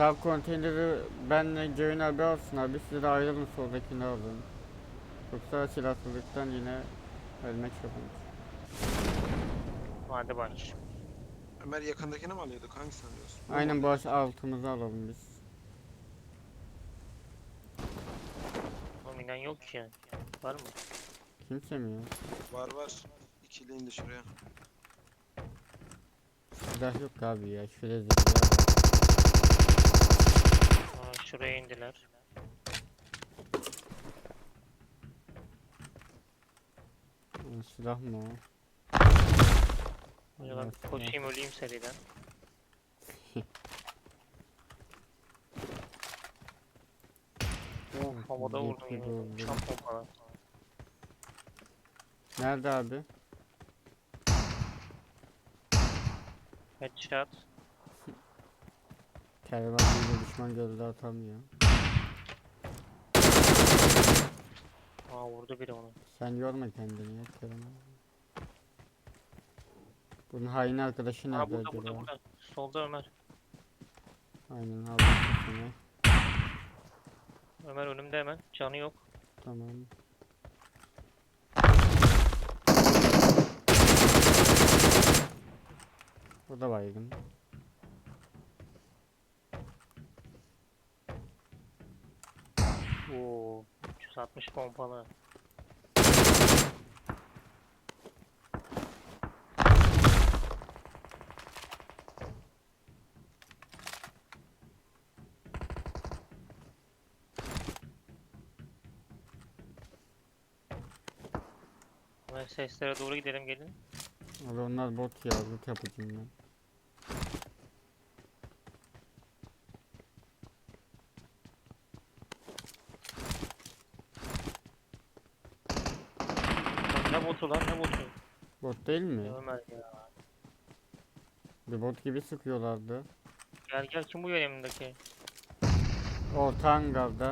Sağ konteyneri benle Ceyhun abi alsın abi, siz de ayrılın, soldakini alın. Yoksa silahsızlıktan yine ölmek yapalım. Hadi bak. Ömer yakındakini mi alıyorduk? Hangisini alıyorsun? Bunu mu Aynen, bu alıyorduk? altımızı alalım biz. Oğlum inen yok ki yani. Var mı? Kimse mi ya? Var var. İkili indi şuraya. Silah yok abi ya, şöyle zırhlı. Aa, şuraya indiler. Silah mı o? Hadi ben Evet, koşayım öleyim seriden. Oh, havada vurdum Yetki yemin ederim. doldu. Çam pompalar. Nerede abi? Headshot. Kervanıyla düşman gözde atamıyor. Aa, vurdu biri onu. Sen yorma kendini ya Kerem. Bunun hain arkadaşı Aa, nerede burada acaba? burada. Solda Ömer. Aynen, aldım seni. Ömer önümde hemen. Canı yok. Tamam. O da baygın. Oo, 360 pompalı. Ömer seslere doğru gidelim gelin. Abi onlar bot ya, loot yapacağım ben. Lan ne botu lan ne botu? Bot değil mi? Ya Ömer ya. Bir bot gibi sıkıyorlardı. Gel gel kim bu yanımdaki? Orta hangarda.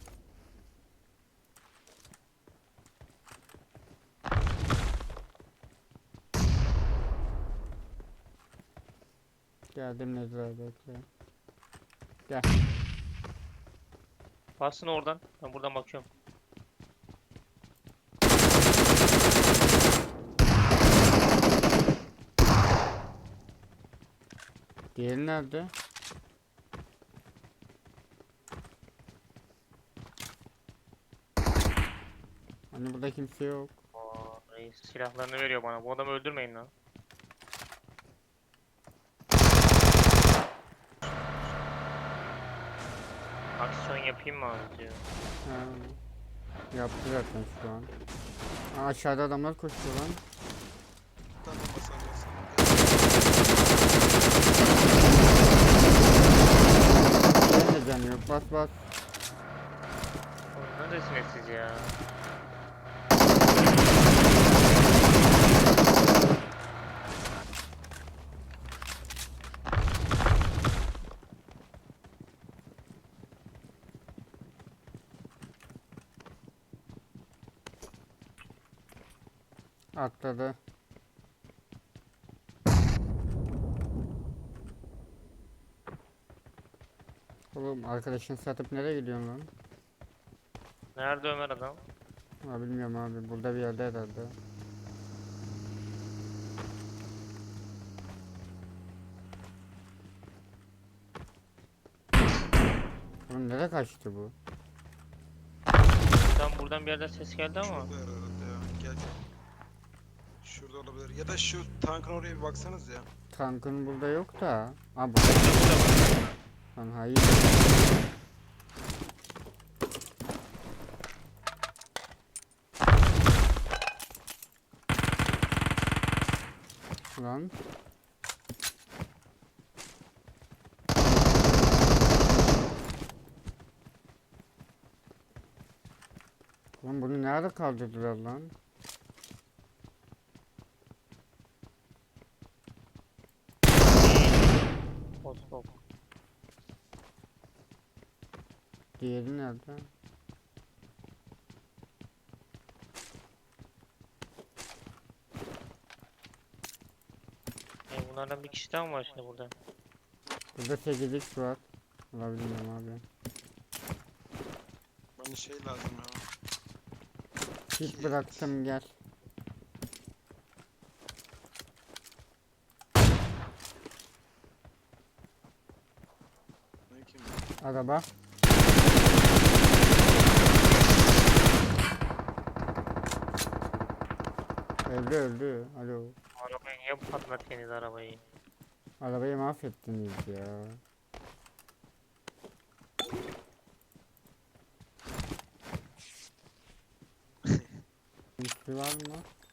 Geldim Nezra, bekle. Gel. Bassın oradan. Ben buradan bakıyorum. Diğeri nerede? Hani burada kimse yok. Aa, reis silahlarını veriyor bana. Bu adamı öldürmeyin lan. Aksiyon yapayım mı abi diyor. Ha. Yaptı zaten şu an. Aa, aşağıda adamlar koşuyor lan. Tamam basacaksın. Benim de canı yok, bas bas. Oğlum neredesiniz siz ya? Atladı. Oğlum, arkadaşını satıp nereye gidiyorsun lan? Nerede Ömer adam? Ha, bilmiyorum abi, burada bir yerde herhalde. Oğlum nereye kaçtı bu? Buradan bir yerden ses geldi ama. Şurada herhalde ya. Gel gel. Şurada olabilir. Ya da şu tankın oraya bir baksanız ya. Tankın burada yok da. Ha, burada. Lan hayır. Lan. Oğlum bunu nerede kaldırdılar lan? Postop. Diğeri nerede? Bunlardan bir kişi daha mı var şimdi burada? Burada 8x var. Valla bilmiyorum abi. Bana şey lazım ya. Kit bıraktım gel. Ne kim? Araba. Öldü öldü. Alo. Arabayı niye patlattınız arabayı? Arabayı mahvettiniz ya. Üstü var mı?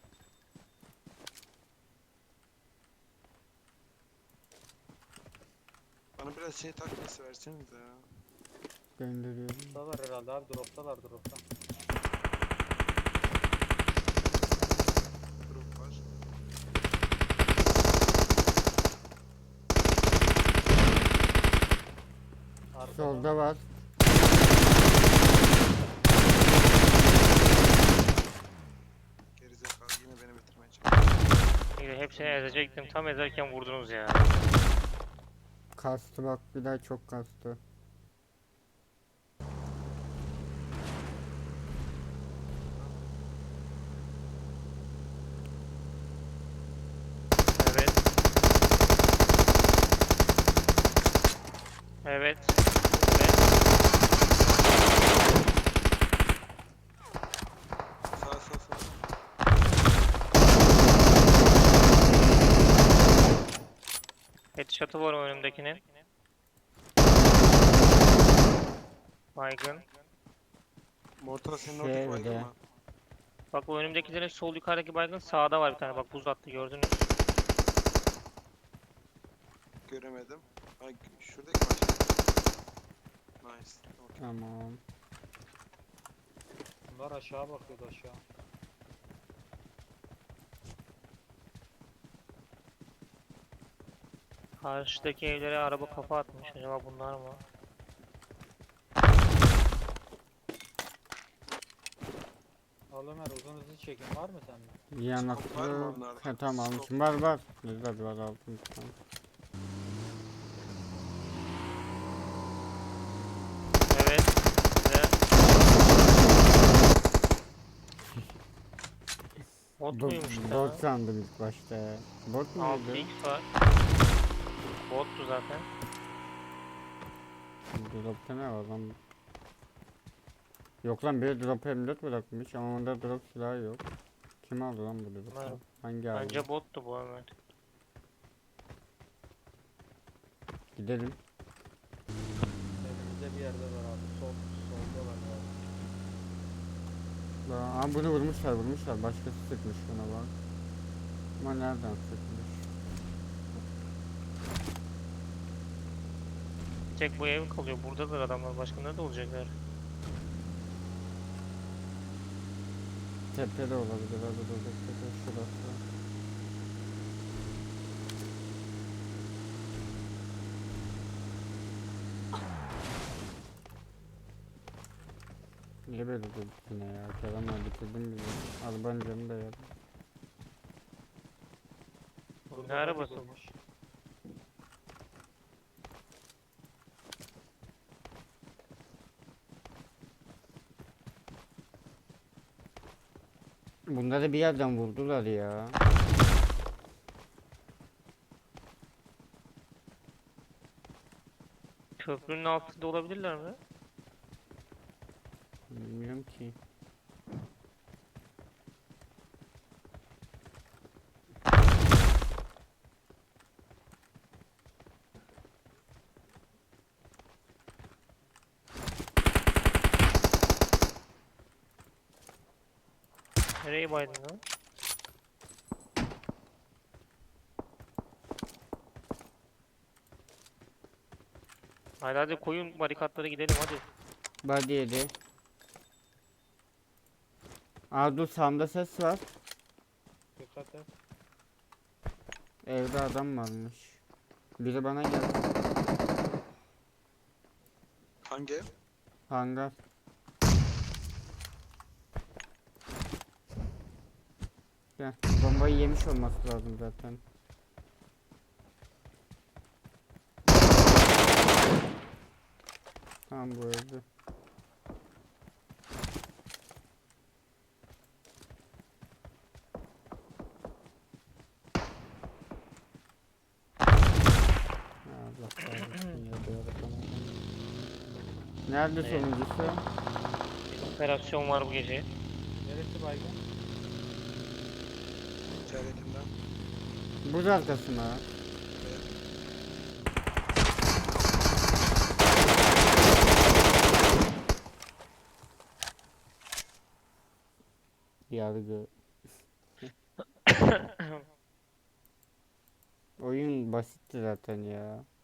Bana biraz şey takviyesi verseniz ya. Gönderiyorum. Droptalar herhalde abi, droptalar dropta. Drop var. Arkada. Solda var. Gerizekalı yine beni bitirmeye çalışıyor. İyi, hepsini ezecektim. Tam ezerken vurdunuz ya. Kastı bak bir daha çok kastı. Evet. Evet. Sağ. Headshot'ı var o önümdekinin. Baygın. Mortal senin oradaki baygın Şöyle. mı? Bak o önümdekilerin sol yukarıdaki baygın sağda var bir tane. Bak buz attı gördünüz. Göremedim. Ay şuradaki var. Nice. Okey. Tamam. Bunlar aşağı bakıyordu, aşağı. Karşıdaki evlere araba kafa atmış. Acaba bunlar mı? Al Ömer, uzun hızlı çekim var mı sende? Yanaklı. var mı onlarda? Ha, tamam Stop. almışım. Var. Güzel var aldım. Tamam. Evet. Ve... Bot muymuş ya? Bot sandım ilk başta ya. Bot muydu? 6x var. Bottu zaten. Drop'ta ne var lan? Yok lan bir drop M4 bırakmış ama onda drop silahı yok. Kim aldı lan bu drop'u? Bilmiyorum. Hangi aldı? Bence bottu bu Ömer. Gidelim. Elimizde bir yerde var abi. Solda var abi. Aa, bunu vurmuşlar. Başkası sıkmış buna bak. Ama nereden sıkmış? Tek bu ev kalıyor. Buradadır adamlar. Başka nerede olacaklar? Tepede olabilir. Hadi dur tepe şurası. Niye böyle durduk yine ya? Kerem'le bitirdim bizi. Arabanın canı da yer. Ne arabası bu? Yapılmış. Bunları bir yerden vurdular ya. Köprünün altında olabilirler mi? Bilmiyorum ki. Nereye baydın lan? Hadi koyun barikatlara gidelim hadi. Body yedi. Aa dur sağımda ses var. Dikkat et. Evde adam varmış. Biri bana geldi. Hangi ev? Hangar. Gel. Bombayı yemiş olması lazım zaten. Tamam bu öldü. Ya Allah kahretsin ya, böyle falan. Nerede Evet. sonuncusu? Bir operasyon var bu gece. Neresi baygın? İçeridekinde. Buz arkasına. Evet. Yargı. Oyun basitti zaten ya.